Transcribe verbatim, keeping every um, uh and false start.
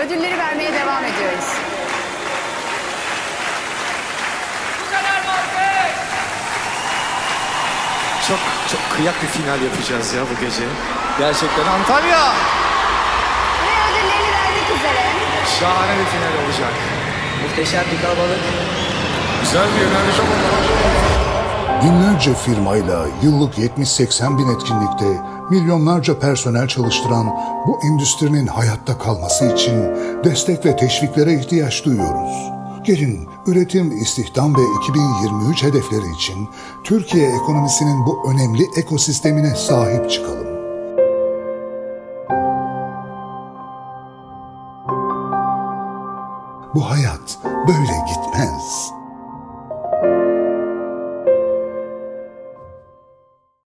ödülleri vermeye devam ediyoruz. Bu kadar mı alkış? Çok çok kıyak bir final yapacağız ya bu gece. Gerçekten Antalya. Ve ödüllerini vermek üzere. Şahane bir final olacak. Muhteşem bir kalabalık. Güzel bir enerji Binlerce firmayla yıllık yetmiş seksen bin etkinlikte milyonlarca personel çalıştıran bu endüstrinin hayatta kalması için destek ve teşviklere ihtiyaç duyuyoruz. Gelin üretim, istihdam ve iki bin yirmi üç hedefleri için Türkiye ekonomisinin bu önemli ekosistemine sahip çıkalım.